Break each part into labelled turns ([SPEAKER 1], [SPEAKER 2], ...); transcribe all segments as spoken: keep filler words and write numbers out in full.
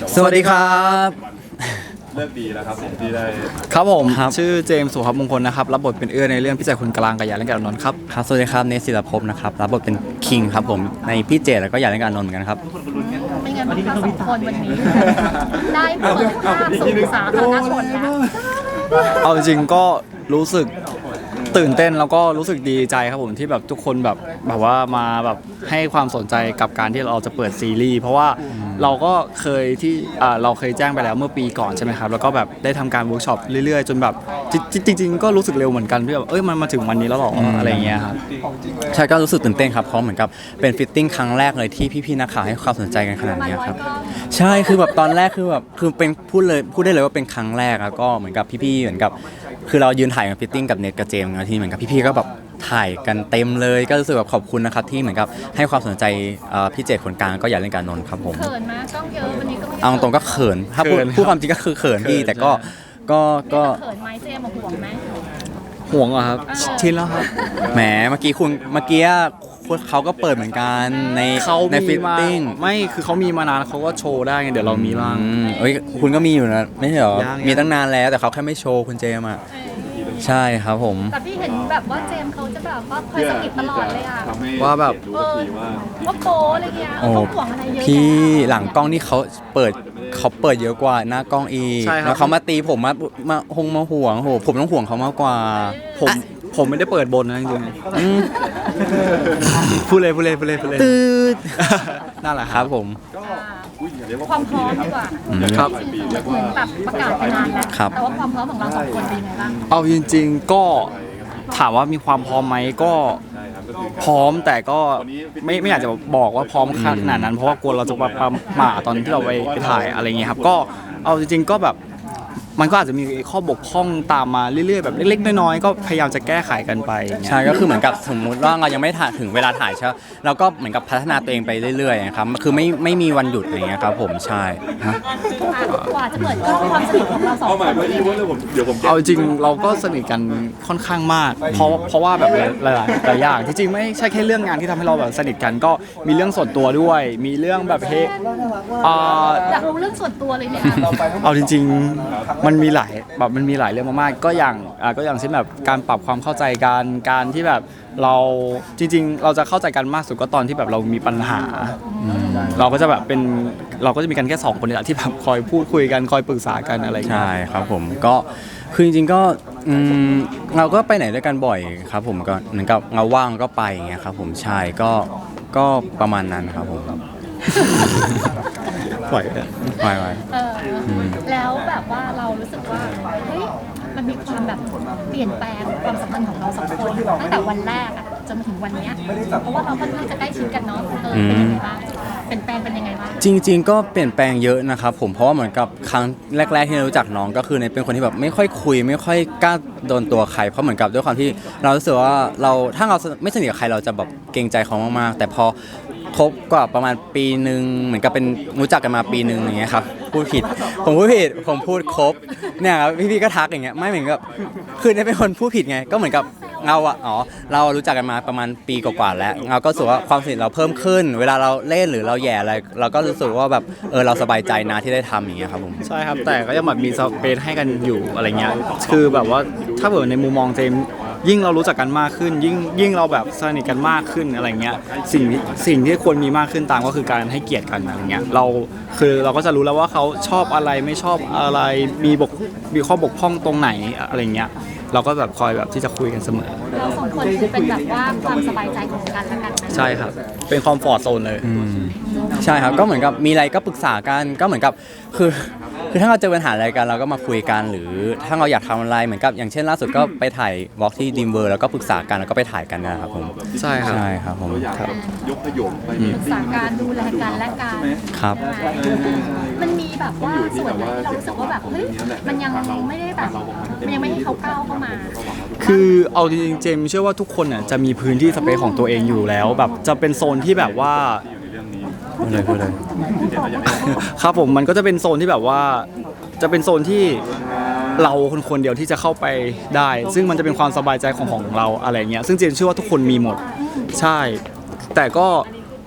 [SPEAKER 1] สวัสดีครับ
[SPEAKER 2] เลือกดีแล้วครับผมที่ได้
[SPEAKER 1] ครับผมชื่อเจมส์สุภาพมงคลนะครับรับบทเป็นเอื้อในเรื่องพี่แจคนกลางกับยาเล่นกับนนท์ครับ
[SPEAKER 3] ครับสวัสดีครับเนสศิลภพนะครับรับบทเป็นคิงครับผมในพี่เจแล้วก็อยากเล่นกับนนท์เหมือนกันครับ
[SPEAKER 4] เป็นไงบ้างคะสองคนวันนี้ได้เปิดภาพสู่สาธารณชนแล้ว
[SPEAKER 1] เอาจริงก็รู้สึกตื่นเต้นแล้วก็รู้สึกดีใจครับผมที่แบบทุกคนแบบแบบว่ามาแบบให้ความสนใจกับการที่เราจะเปิดซีรีส์เพราะว่าเราก็เคยที่เราเคยแจ้งไปแล้วเมื่อปีก่อนใช่ไหมครับแล้วก็แบบได้ทำการเวิร์กช็อปเรื่อยๆจนแบบจริงๆก็รู้สึกเร็วเหมือนกันที่แบบเอ้ยมันมาถึงวันนี้แล้วหรออะไรเงี้ยครับ
[SPEAKER 3] ใช่ก็รู้สึกตื่นเต้นครับเพราะเหมือนกับเป็นฟิตติ้งครั้งแรกเลยที่พี่ๆนักข่าวให้ความสนใจกันขนาดนี้ครับใช่คือแบบตอนแรกคือแบบคือเป็นพูดเลยพูดได้เลยว่าเป็นครั้งแรกแล้วก็เหมือนกับพี่ๆเหมือนกับคือเรายืนถ่ายกับฟิตติ้งกับเน็ตกับเจมส์นะที่เหมือนกับพี่ๆก็แบบถ่ายกันเต็มเลยก็รู้สึกแบบขอบคุณนะครับที่เหมือนกับให้ความสนใจพี่เจตคนกลางก็อยากเล่นกับนนท์ครับผม
[SPEAKER 4] เขินมากกล้องเยอะวันนี้ก็ไม่
[SPEAKER 3] เอาตรงก็เขินถ้าพูดพูดความจริงก็คือเขินพี่แต่ก็ก็ก็
[SPEAKER 4] เขินไหมเจมส์ห่วงไหม
[SPEAKER 1] ห่วงเหรอครับชินแล้วครับ
[SPEAKER 3] แหมเมื่อกี้คุณเมื่อกี้เขาก็เปิดเหมือนกันในในฟิตติ้ง
[SPEAKER 1] ไม่คือเขามีมานานเขาก็โชว์ได้ไงเดี๋ยวเรามีบ้าง
[SPEAKER 3] เอ้ยคุณก็มีอยู่นะไม่ใช่หรอมีตั้งนานแล้วแต่เขาแค่ไม่โชว์คุณเจมอ่ะใช่ครับผม
[SPEAKER 4] แต่พี่เห็นแบบว่าเจมส์เขาจะแบบว่าคอยสะกิดตลอดเลยอ่ะ
[SPEAKER 1] ว่าแบบ
[SPEAKER 4] ว่าโป๊อะไรเงี้ยเขาห่วงอะไรเยอะ
[SPEAKER 3] พี่หลังกล้องนี่เขาเปิดเขาเปิดเยอะกว่าหน้ากล้องอีกแล้วเขามาตีผมมามาหงมาห่วงโหผมต้องห่วงเขามากกว่า
[SPEAKER 1] ผมผมไม่ได้เปิดบนนะจริงๆพูดเลยพูดเลยพูดเลยพูดเลย
[SPEAKER 3] ตืด
[SPEAKER 1] นั่นแหละ
[SPEAKER 3] ครับผม
[SPEAKER 4] ความพร้อมดีกว่า
[SPEAKER 1] ครับ
[SPEAKER 4] เหมือนแบบประกาศไปนานแล้วแต่ว่าความพร้อมของเราสองคนเป็นยังไงบ้าง
[SPEAKER 1] เอาจริงๆก็ถามว่ามีความพร้อมไหมก็พร้อมแต่ก็ไม่ไม่อยากจะบอกว่าพร้อมขนาดนั้นเพราะว่ากลัวเราจะประมาทตอนที่เราไปไปถ่ายอะไรเงี้ยครับก็เอาจริงๆก็แบบมันก็อาจจะมีข้อบกพร่องตามมาเรื่อยๆแบบเล็กๆน้อยๆก็พยายามจะแก้ไขกันไป
[SPEAKER 3] ใช่ก็คือเหมือนกับสมมุติว่าเรายังไม่ถ่ายถึงเวลาถ่ายใช่เราก็เหมือนกับพัฒนาตัวเองไปเรื่อยๆนะครับคือไม่ไม่มีวันหยุดอย่างเงี้ยครับผมใช่
[SPEAKER 4] กว่าจะเปิดกล้องความสนิทของเราสองคน
[SPEAKER 1] เอาจริงเราก็สนิทกันค่อนข้างมากเพราะเพราะว่าแบบหลายหลายอย่างที่จริงไม่ใช่แค่เรื่องงานที่ทำให้เราแบบสนิทกันก็มีเรื่องส่วนตัวด้วยมีเรื่องแบบเฮ
[SPEAKER 4] อยากรู้เรื่องส่วนตัวเลยเนี่ย
[SPEAKER 1] เอาจริงๆมันมีหลายแบบมันมีหลายเรื่องมากๆก็อย่างอ่าก็อย่างเช่นแบบการปรับความเข้าใจกันการที่แบบเราจริงๆเราจะเข้าใจกันมากสุดก็ตอนที่แบบเรามีปัญหาเราก็จะแบบเป็นเราก็จะมีกันแค่สองคนนี่แหละที่แบบคอยพูดคุยกันคอยปรึกษากันอะไรอย่างเงี้ย
[SPEAKER 3] ใช่ครับผมก็คือจริงๆก็เราก็ไปไหนด้วยกันบ่อยครับผมก็เหมือนกับเราว่างก็ไปอย่างเงี้ยครับผมใช่ก็ก็ประมาณนั้นครับผม
[SPEAKER 1] ปล่อย
[SPEAKER 3] ปล่อยไป
[SPEAKER 4] แล้วแบบว่าเรารู้สึกว่าเฮ้ยมันมีความแบบเปลี่ยนแปลงความสัมพันธ์ของเราสองคนตั้งแต่วันแรกอะจนถึงวันนี้เพราะว่าเราค่อนข้างจะใกล้ชิดกันเนาะเออเป็นยังไงบ้างเปลี่ยนแปลงเป็นยังไงบ้าง
[SPEAKER 3] จริงๆก็เปลี่ยนแปลงเยอะนะครับผมเพราะว่าเหมือนกับครั้งแรกๆที่เรารู้จักน้องก็คือในเป็นคนที่แบบไม่ค่อยคุยไม่ค่อยกล้าโดนตัวใครเพราะเหมือนกับด้วยความที่เรารู้สึกว่าเราถ้าเราไม่สนิทกับใครเราจะแบบเกรงใจเขามากๆแต่พอคบกว่าประมาณปีหนึ่งเหมือนกับเป็นรู้จักกันมาปีหนึ่งอย่างเงี้ยครับพูดผิดผมพูดผิดผมพูดครบเนี่ยครับพี่ๆก็ทักอย่างเงี้ยไม่เหมือนกับคือเนี่ยเป็นคนพูดผิดไงก็เหมือนกับเราอะอ๋อเรารู้จักกันมาประมาณปีกว่าๆแล้วเราก็รู้สึกว่าความสนิทเราเพิ่มขึ้นเวลาเราเล่นหรือเราแย่อะไรเราก็รู้สึกว่าแบบเออเราสบายใจนะที่ได้ทำอย่างเงี้ยครับผม
[SPEAKER 1] ใช่ครับแต่ก็ยังแบบมีสเปซให้กันอยู่อะไรเงี้ยคือแบบว่าถ้าเกิดในมุมมองเจมยิ่งเรารู้จักกันมากขึ้นยิ่งยิ่งเราแบบสนิทกันมากขึ้นอะไรเงี้ยสิ่งสิ่งที่ควรมีมากขึ้นตามก็คือการให้เกียรติกันอะไรเงี้ยเราคือเราก็จะรู้แล้วว่าเขาชอบอะไรไม่ชอบอะไรมีบกมีข้อบกพร่องตรงไหนอะไรเงี้ยเราก็แบบคอยแบบที่จะคุยกันเสมอ
[SPEAKER 4] เราสองคนคือเป็นแบบว่าความสบายใจของกันและกัน
[SPEAKER 1] ใช่ครับเป็นคอมฟอร์ตโซนเลย
[SPEAKER 3] ใช่ครับก็เหมือนกับมีอะไรก็ปรึกษากันก็เหมือนกับคือคือถ้าเราเจอปัญหาอะไรกันเราก็มาคุยกันหรือถ้าเราอยากทำอะไรเหมือนกับอย่างเช่นล่าสุดก็ไปถ่ายวอล์กที่ดีมเวอร์แล้วก็ปรึกษากันแล้วก็ไปถ่ายกันนะครับผม
[SPEAKER 1] ใช่ครับ
[SPEAKER 3] ใช่ครับผม
[SPEAKER 2] ยกขยมไป
[SPEAKER 4] ปรึกษาการดูแลกันและกัน
[SPEAKER 3] ครับ
[SPEAKER 4] มันมีแบบว่าส่วนไหนที่เรารู้สึกว่าแบบเฮ้ยมันยังไม่ได้แบบมันยังไม่ให้เขาก้าวเข้ามา
[SPEAKER 1] คือเอาจริงๆเจมเชื่อว่าทุกคนน่ะจะมีพื้นที่สเปซของตัวเองอยู่แล้วแบบจะเป็นโซนที่แบบว่า
[SPEAKER 3] พูดเลยพูดเลย
[SPEAKER 1] ครับผมมันก็จะเป็นโซนที่แบบว่าจะเป็นโซนที่เราคนคนเดียวที่จะเข้าไปได้ซึ่งมันจะเป็นความสบายใจของของเราอะไรเงี้ยซึ่งเจนเชื่อว่าทุกคนมีหมดใช่แต่ก็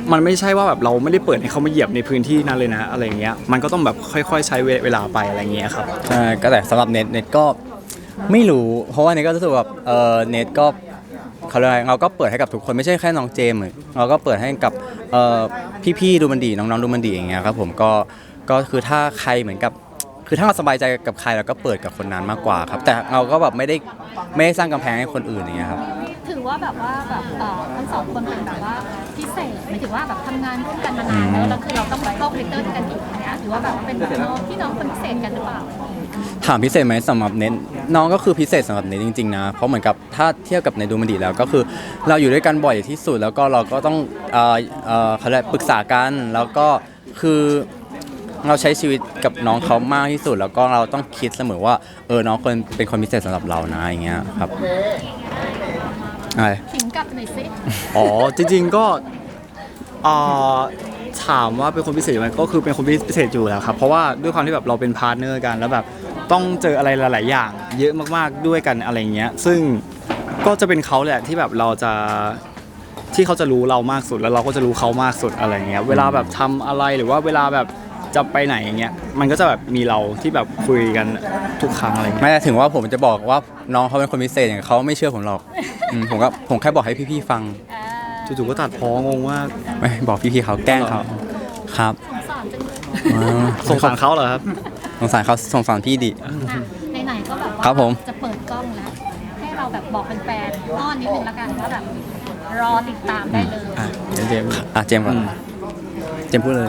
[SPEAKER 1] มันไม่ใช่ว่าแบบเราไม่ได้เปิดให้เขามาเหยียบในพื้นที่นั้นเลยนะอะไรเงี้ยมันก็ต้องแบบค่อยๆใช้เวลาไปอะไรเงี้ยครับ
[SPEAKER 3] ใช่ก็แต่สำหรับเน็ตเน็ตก็ไม่รู้เพราะว่าเน็ตก็รู้สึกแบบเออเน็ตก็เขาเรียกอะไรเราก็เปิดให้กับทุกคนไม่ใช่แค่น้องเจมส์เราก็เปิดให้กับเอ่อพี่ๆดูมันดีน้องๆดูมันดีอย่างเงี้ยครับผมก็ก็คือถ้าใครเหมือนกับคือถ้าเราสบายใจกับใครเราก็เปิดกับคนนั้นมากกว่าครับแต่เราก็แบบไม่ได้ไม่ได้สร้างกำแพงให้คนอื่นอย่างเงี้ยครับ
[SPEAKER 4] ถือว่าแบบว่าแบบเอ่อทั้งสองคนเป็นแบบว่าพิเศษหมายถึงว่าแบบทำงานร่วมกันมานานแล้วแล้วคือเราต้องเข้าคาแรคเตอร์ด้วยกันอีกอย่างเงี้ยถือว่าแบบเป็นน้องพี่น้องคนพิเศษกันหรือเปล่า
[SPEAKER 3] ถามพิเศษไหมสำหรับเน็ตน้องก็คือพิเศษสำหรับเน็ตจริงๆนะเพราะเหมือนกับถ้าเทียบกับในดูมันดีแล้วก็คือเราอยู่ด้วยกันบ่อยที่สุดแล้วก็เราก็ต้องเอ่อเอ่อเขาเรียกปรึกษากันแล้วก็คือเราใช้ชีวิตกับน้องเขามากที่สุด แล้วก็เราต้องคิดเสมอว่าเออน้องคนเป็นคนพิเศษสำหรับเรานะอย่างเงี้ยครับอะไร
[SPEAKER 4] ถิงกลับหน่อยสิ
[SPEAKER 1] อ๋อจริงๆก็เอ่อถามว่าเป็นคนพิเศษไหมก็คือเป็นคนพิเศษอยู่แล้วครับเพราะว่าด้วยความที่แบบเราเป็นพาร์ทเนอร์กันแล้วแบบต้องเจออะไรหลายๆอย่าง เยอะมากๆด้วยกันอะไรเงี้ยซึ่งก็จะเป็นเขาแหละที่แบบเราจะที่เขาจะรู้เรามากสุดแล้วเราก็จะรู้เขามากสุดอะไรเงี้ยเวลาแบบทำอะไรหรือว่าเวลาแบบจะไปไหนอย่างเงี้ยมันก็จะแบบมีเราที่แบบคุยกันทุกครั้งอะไรเงี้ย
[SPEAKER 3] ไม่ได้ถึงว่าผมจะบอกว่าน้องเขาเป็นคนพิเศษอย่างเขาไม่เชื่อผมหรอกอืมผมก็ผมแค่บอกให้พี่ๆฟัง
[SPEAKER 4] อ่า
[SPEAKER 1] จู่ๆก็ตัดพ้องงมาก
[SPEAKER 3] ไม่บอกพี่ๆเขาแกล้งเขาครับ
[SPEAKER 4] สงสารจังเลย
[SPEAKER 3] อ่า
[SPEAKER 1] สงสารเขาเหรอครับ
[SPEAKER 3] สงสารเขาสงสารพี่ดิ
[SPEAKER 4] อ่ะไหนๆก็แบบว่า
[SPEAKER 3] ครับผม
[SPEAKER 4] จะเปิดกล้องแล้ว ให้เราแบบบอกแฟนๆอ้อนนิดนึงละกันว่าแบบรอติดตามได้เลย
[SPEAKER 1] อ่ะเดี๋ยวเจมส์
[SPEAKER 3] อ่ะเจมส์ก่อนเจมส์พูดเลย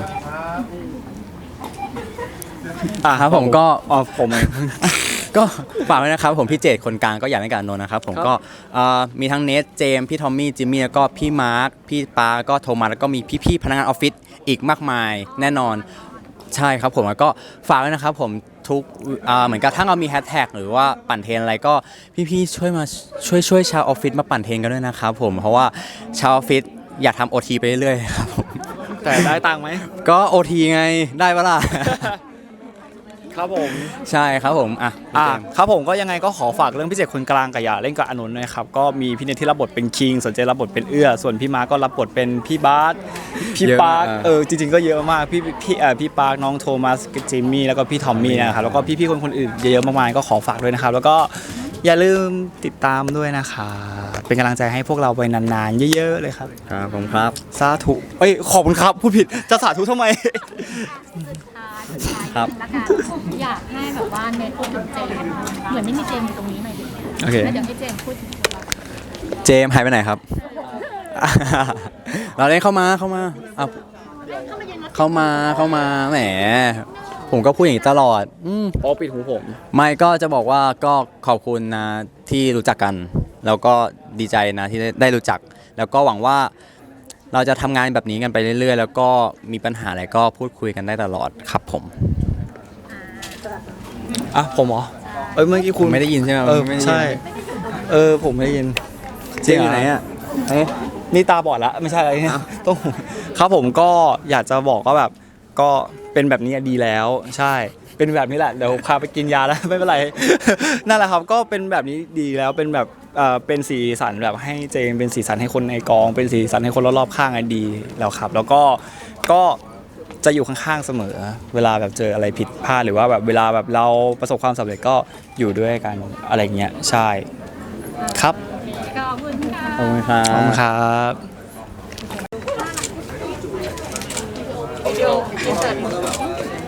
[SPEAKER 1] อ่ะ
[SPEAKER 3] ครับผมก็
[SPEAKER 1] อ๋อผมเอง
[SPEAKER 3] ก็ฝากไว้นะครับผมพี่เจตคนกลางก็อยากให้การนนท์นะครับผม
[SPEAKER 1] ครับ
[SPEAKER 3] ก็เอ่อมีทั้งเนทเจมส์พี่ทอมมี่จิมมี่แล้วก็พี่มาร์คพี่ปาก็โทมัสแล้วก็มีพี่ๆพนักงานออฟฟิศอีกมากมายแน่นอนใช่ครับผมแล้วก็ฝากไว้นะครับผมทุกอ่าเหมือนกับถ้าเรามีแฮชแท็กหรือว่าปั่นเทรนอะไรก็พี่ๆช่วยมาช่วยช่วยชาวออฟฟิศมาปั่นเทรนกันด้วยนะครับผมเพราะว่าชาวออฟฟิศอยากทำโอทีไปเรื่อยๆครับผม
[SPEAKER 1] แต่ได้ตังค์ไหม
[SPEAKER 3] ก็โอทีไงได้ปะล่ะ
[SPEAKER 1] ครับผม
[SPEAKER 3] ใช่ครับผมอ่ะ
[SPEAKER 1] อ่ะครับผมก็ยังไงก็ขอฝากเรื่องพิเศษคนกลางกับอย่าเล่นกับอานนท์นะครับก็มีพี่เนทที่รับบทเป็นคิงสนใจรับบทเป็นเอื้อส่วนพี่มาร์คก็รับบทเป็นพี่บาสพี่ปาร์คเออจริงๆก็เยอะมากพี่พี่เอ่อพี่ปาร์คน้องโทมัสจิมมี่แล้วก็พี่ทอมมี่นะครับแล้วก็พี่ๆคนคนอื่นเยอะๆมากมายก็ขอฝากด้วยนะครับแล้วก็อย่าลืมติดตามด้วยนะคะเป็นกำลังใจให้พวกเราไปนานๆเยอะๆเลยครับ
[SPEAKER 3] ครับผมครับ
[SPEAKER 1] สาธุเอ้ยขอบคุณครับพูดผิดจะสาธุทำไม
[SPEAKER 4] สุดท้ายสุดท้าย
[SPEAKER 3] ครับ
[SPEAKER 4] ละกันอยากให้แบบว่าเนทพูดถึงเจมส์เหมือนไม่มีเจมส์อยู่ตรงนี้หน่อยดิ
[SPEAKER 1] โอเค
[SPEAKER 4] แล้วเดี๋ยวให้เจมส์พูดถึง
[SPEAKER 3] เจมส์หายไปไหนครับ เราเล่นเข้ามาเข้ามาอ่ะ
[SPEAKER 4] เข้ามาเย็นรถ
[SPEAKER 3] เข้ามาเข้ามาแหมผมก็พูดอย่างนี้ตลอดอืม
[SPEAKER 1] เพราะปิดหูผม
[SPEAKER 3] ไม่ก็จะบอกว่าก็ขอบคุณนะที่รู้จักกัน แล้วก็ดีใจนะที่ได้ได้รู้จัก แล้วก็หวังว่าเราจะทำงานแบบนี้กันไปเรื่อยๆ แล้วก็มีปัญหาอะไรก็พูดคุยกันได้ตลอดครับผม
[SPEAKER 1] อ่ะผมเหรอเอ้ยเมื่อกี้
[SPEAKER 3] คุ
[SPEAKER 1] คุณ ณ
[SPEAKER 3] ไม่ได้ยินใช่ไหม
[SPEAKER 1] เออ
[SPEAKER 3] ไม่ได้ยิน
[SPEAKER 1] ใช่ เออผมไม่ได้ยิน
[SPEAKER 3] เจมส์อยู่ไหนอ่ะเอ๊ะ
[SPEAKER 1] นี่ตาบอดละไม่ใช่อะไรเนี่ยต้องครับผมก็อยากจะบอกว่าแบบก็เป็นแบบนี้ดีแล้ว ใช่ เป็นแบบนี้แหละเดี๋ยวพาไปกินยาแล้ว ไม่เป็นไร นั่นแหละครับก็เป็นแบบนี้ดีแล้วเป็นแบบเอ่อเป็นสีสันแบบให้เจมเป็นสีสันให้คนในกอง เป็นสีสันให้คนรอบๆข้างอะดีแล้วครับ แล้วก็ก็จะอยู่ข้างๆเสมอ เวลาแบบเจออะไรผิดพลาดหรือว่าแบบเวลาแบบเราประสบความสำเร็จก็อยู่ด้วยกันอะไรเงี้ยใช่ครับ
[SPEAKER 4] ขอบคุณค่ะ
[SPEAKER 3] ขอบคุณครั
[SPEAKER 1] ขอบคุณ
[SPEAKER 3] บ
[SPEAKER 1] ครับ
[SPEAKER 4] วิดีโออินเสิร์ต